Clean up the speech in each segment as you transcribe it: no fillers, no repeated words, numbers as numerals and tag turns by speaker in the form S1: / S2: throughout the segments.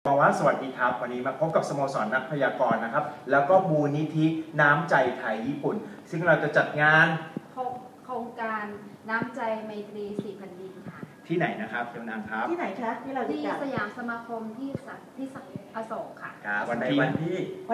S1: บอกว่าสวัสดีครับวันนี้มาพบกับสโมสรนักพยากรณ์นะครับแล้วก็มูลนิธิน้ำใจไทยญี่ปุ่นซึ่งเราจะจัดงาน
S2: โครงการน้ำใจไมตรี4 แผ่นดินค่ะ
S1: ที่ไหนนะครับเจ้านางครับ
S3: ที่ไหนคะที่เรา
S2: ที่สยามสมาคมที่อโศกค่ะ
S1: วันที่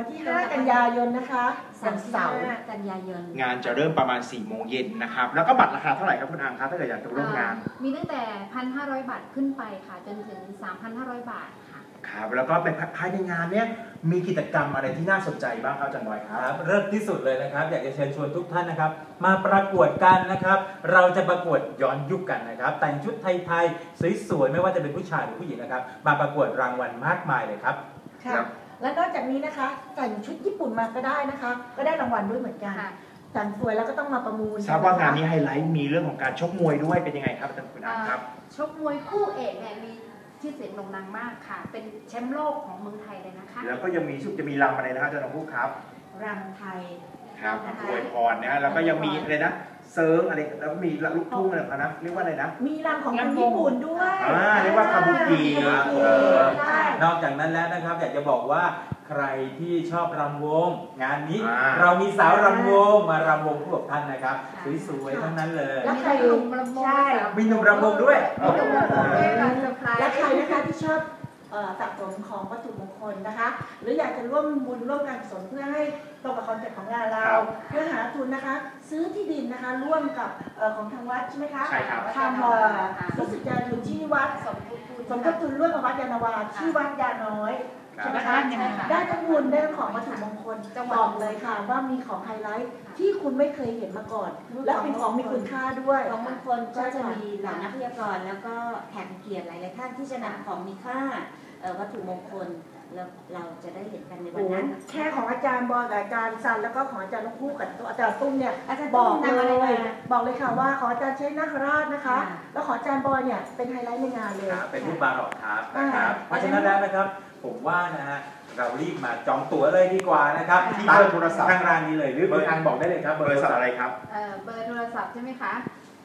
S3: 5 กันยายนนะคะวันเสาร์
S2: 5 กันยายน
S1: งานจะเริ่มประมาณ4 โมงเย็นนะครับแล้วก็บัตรราคาเท่าไหร่ครับคุณอังครับถ้าเกิดอยากจะร่วมงาน
S2: มีตั้งแต่ 1,500 บาทขึ้นไปค่ะจนถึง 3,500 บาท
S1: ครับแล้วก็เป็นภายในงานเนี้ยมีกิจกรรมอะไรที่น่าสนใจบ้างครับอาจารย์บอยครับ
S4: เริ่มที่สุดเลยนะครับอยากจะเชิญชวนทุกท่านนะครับมาประกวดกันนะครับเราจะประกวดย้อนยุคกันนะครับแต่งชุดไทยๆสวยๆไม่ว่าจะเป็นผู้ชายหรือผู้หญิงนะครับมาประกวดรางวัลมากมายเลยครับ
S3: ค่ะและนอกจากนี้นะคะแต่งชุดญี่ปุ่นมาก็ได้นะคะก็ได้รางวัลด้วยเหมือนกันแต่งสวยแล้วก็ต้องมาประมูล
S1: ทราบว่างานนี้ไฮไลท์มีเรื่องของการชกมวยด้วยเป็นยังไงครับอาจารย์คุณอังครับ
S2: ชกมวยคู่เอกเนี่ยมีชื่อเสียงโด่งดังมากค่ะเป็นแชมป์โลกของเมืองไทยเลยนะคะ
S1: แล้วก็ยังมีจะมีรำอะไรนะครับอาจารย์ผู้ครับ
S3: รำไทย
S1: ครับอวยพรนะแล้วก็ยังมีอะไรนะเซิร์งอะไรแล้วก็มีลูกทุ่งอะไรนะเรียกว่าอะไรนะ
S3: มีรำของคนญี่ปุ่นด้วย
S1: เรียกว่าคาบุกิ
S4: นอกจากนั้นแล้วนะครับอยากจะบอกว่าใครที่ชอบรำวงงานนี้เรามีสาวรำวงมารำวงคู่กับท่านนะครับสวยๆทั้งนั้นเลย
S3: แล้วใครหนุ่มรำวงใช่
S4: มีหนุ่มรำวงด้วย
S3: และใครนะคะที่ชอบสะสมของวัตถุมงคลนะคะหรืออยากจะร่วมบุญร่วมการกุศลเพื่อให้ตรงกับคอนเซ็ปต์ของงานเราเพื่อหาทุนนะคะซื้อที่ดินนะคะร่วมกับของทางวัดใช่ไหมคะ
S1: ใช่ครับ
S3: ทำรู้สึกจะอยู่ที่วัดสมทบทุนร่วมกับวัดยานนาวาที่วัดยาน้อยใช่ไหมคะได้ทั้งบุญได้ทั้งของวัตถุมงคลบอกเลยค่ะว่ามีของไฮไลท์ที่คุณไม่เคยเห็นมาก่อนและเป็นของมีคุณค่าด้วย
S5: ของมงคลก็จะมีเหล่านักพยากรณ์แล้วก็แขกเกียรติหลายๆท่านที่จะนำของมีค่าวัตถุมงคลแล้วเราจะได้เห็นกันในวันนั้น
S3: แค่ของอาจารย์บอยกับอาจารย์ซันแล้วก็ของอาจารย์ลูกคู่กับอาจารย์ตุ้มเนี่ยบอกเลยค่ะว่าขออาจารย์ใช้นาคราชนะคะแล้วขออาจารย์บอยเนี่ยเป็นไฮไลท์ในงานเลย
S4: เป็นรูปบาร์หรอกครับนะครับเพราะฉะนั้นแล้วนะครับผมว่านะฮะเรารีบมาจองตั๋วเลยดีกว่านะครับ
S1: ที่เบอร์โทรศัพท์
S4: ทางร้านนี้เลยหรือเบอร์ทางบอกได้เลยครับ
S1: เบอร์อะไรครับ
S2: เบอร์โทรศัพท์ใช่ไหมคะ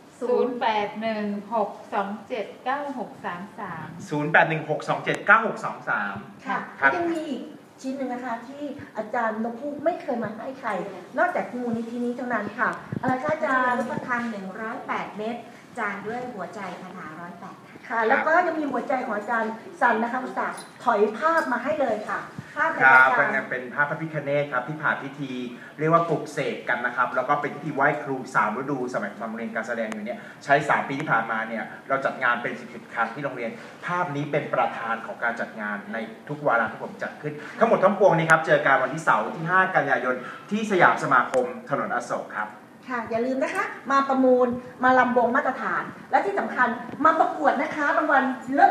S3: 0816279633ค่ะยังมีอีกชิ้นหนึ่งนะคะที่อาจารย์นกพูกไม่เคยมาให้ใครนอกจากมูลนิธินี้เท่านั้นค่ะอะไรคะอาจารย์
S5: รูปพรรณ108 เม็ดจานด้วยหัวใจคาถา108
S3: ค่ะแล้วก็จะมีหัวใจของอาจารย์สันนะคะอุตส่าห์ถอยภาพมาให้เลยค่ะภาพ
S1: เป็นภาพพระพิฆเนศครับที่ผ่านพิธีเรียกว่าปลุกเสกกันนะครับแล้วก็เป็นพิธีไหว้ครู3 ฤดูสมัยตอนเรียนการแสดงอยู่เนี่ยใช้3 ปีที่ผ่านมาเนี่ยเราจัดงานเป็น10 ครั้งที่โรงเรียนภาพนี้เป็นประธานของการจัดงานในทุกวาระที่ผมจัดขึ้นทั้งหมดทั้งปวงนี้ครับเจอกันวันที่เสาร์ที่5 กันยายนที่สยามสมาคมถนนอโศกครับ
S3: ค่ะอย่าลืมนะคะมาประมูลมาลำวงมาตรฐานและที่สำคัญมาประกวดนะคะรางวัลเลิศ